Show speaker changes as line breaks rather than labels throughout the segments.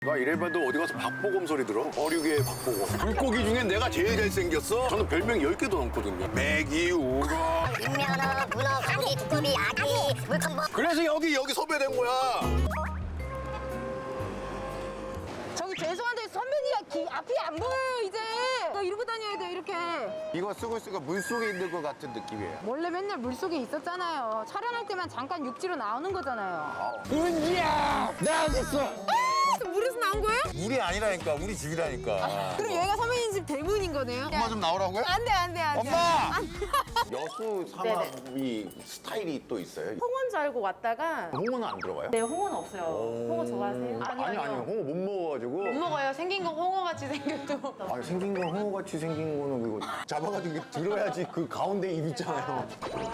나 이래봐도 어디 가서 박보검 소리 들어? 어류계의 박보검. 물고기 중엔 내가 제일 잘생겼어. 저는 별명이 10개도 넘거든요. 메기, 우럭.
인면어, 문어, 가비, 두꺼비, 아기, 물컹버.
그래서 여기 섭외된 거야.
저기 죄송한데 선배님 앞이 안 보여요 이제. 나 이러고 다녀야 돼 이렇게.
이거 쓰고 있으니까 물속에 있는 것 같은 느낌이에요.
원래 맨날 물속에 있었잖아요. 촬영할 때만 잠깐 육지로 나오는 거잖아요.
은지야! 나왔어!
물에서 나온 거예요?
물이 아니라니까, 우리 집이라니까.
그럼 여기가 선배님 집 대문인 거네요?
엄마 좀 나오라고요?
안 돼, 안 돼, 안 돼.
엄마! 여수 삼합이 스타일이 또 있어요?
홍어인 줄 알고 왔다가
홍어는 안 들어가요?
네, 홍어는 없어요. 홍어 좋아하세요?
아니요. 홍어 못 먹어가지고.
못 먹어요. 생긴 거 홍어같이 생겨도.
아니, 생긴 건 홍어같이 생긴 거는 그거 잡아가지고 이렇게 들어야지 그 가운데 입 있잖아요.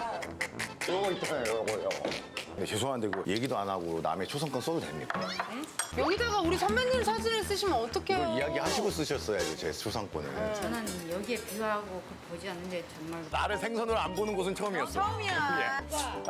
요거 있잖아요, 요거. 네, 죄송한데 그 얘기도 안 하고 남의 초성권 써도 됩니까?
여기다가 우리 선배님 사진을 쓰시면 어떡해요?
이걸 이야기하시고 쓰셨어야죠, 제 초상권을.
저는 여기에 비유하고 보지 않는데 정말
나를 생선을 안 보는 곳은 처음이었어.
처음이야.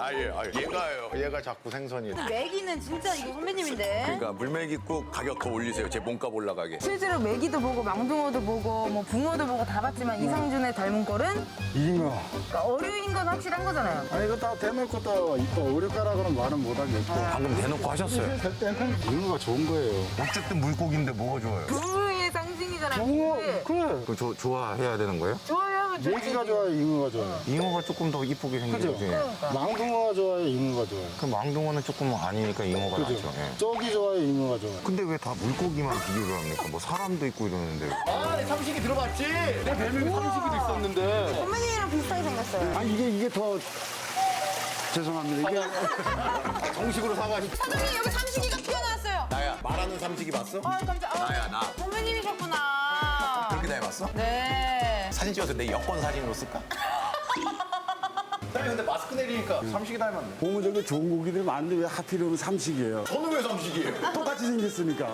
얘가 자꾸 생선이.
메기는 진짜 이거 선배님인데.
그러니까 물메기국 가격 더 올리세요. 제 몸값 올라가게.
실제로 메기도 보고 망둥어도 보고 뭐 붕어도 보고 다 봤지만 이상준의 닮은 꼴은
잉어.
그러니까 어류인 건 확실한 거잖아요.
아니 이거 다 대놓고 또 이거 어렵가라고는 말은 못하겠고.
방금 대놓고 하셨어요.
할 때는 잉어가 좋은 거예요.
어쨌든 물고기인데 뭐가 좋아요?
부부의 상징이잖아요.
잉어
그게.
그래.
그 좋아해야 되는 거예요?
좋아하면 좋지.
메기가 좋아요, 잉어가 좋아요.
잉어가 조금 더 이쁘게 생긴
그죠?
거지.
망둥어가 좋아요, 잉어가 좋아요.
그 망둥어는 조금 아니니까 잉어가
그죠?
낫죠. 예.
쪽이 좋아요, 잉어가 좋아요.
근데 왜 다 물고기만 비교를 합니까? 뭐 사람도 있고 이러는데. 아, 내 삼식이 들어봤지? 내 별명이 삼식이도 있었는데.
선배님이랑 비슷하게 생겼어요.
아 이게 더 죄송합니다. 이게
정식으로 사가지고.
선배님 여기 삼식이가 튀어나왔어요.
나야, 말하는 삼식이 봤어?
아 깜짝.
나야, 나.
선배님이셨구나.
그렇게 닮았어?
네.
사진 찍어서 내 여권 사진으로 쓸까? 사장님 근데 마스크 내리니까 삼식이 닮았네.
고무적인 좋은 고기들이 많은데 왜 하필이면 삼식이에요?
저는 왜 삼식이에요?
똑같이 생겼으니까.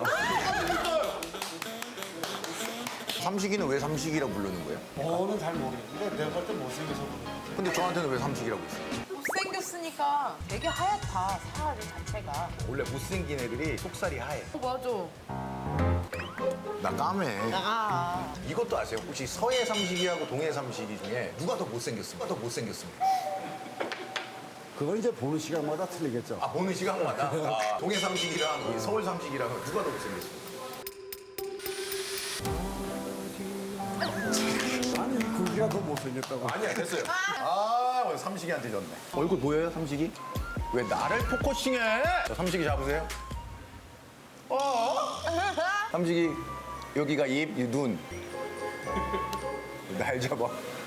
삼식이는 왜 삼식이라고 부르는 거예요?
저는 잘 모르겠는데 내가 볼 때 못생겨서 그래요.
근데 저한테는 왜 삼식이라고 있어요?
못생겼으니까 되게 하얗다 살 자체가.
원래 못생긴 애들이 속살이 하얘.
맞아.
나 까매.
아.
이것도 아세요? 혹시 서해 삼식이하고 동해 삼식이 중에 누가 더 못생겼습니까?
그건 이제 보는 시간마다 틀리겠죠.
아, 보는 시간마다? 아, 동해 삼식이랑 이 서울 삼식이랑 누가 더 못생겼습니까?
아니 이 고기가 더 못생겼다고.
아니야, 됐어요. 아, 오늘 삼식이한테 졌네. 얼굴 보여요, 삼식이? 왜 나를 포커싱해? 저 삼식이 잡으세요. 삼식이, 여기가 입, 이 눈. 날 잡아.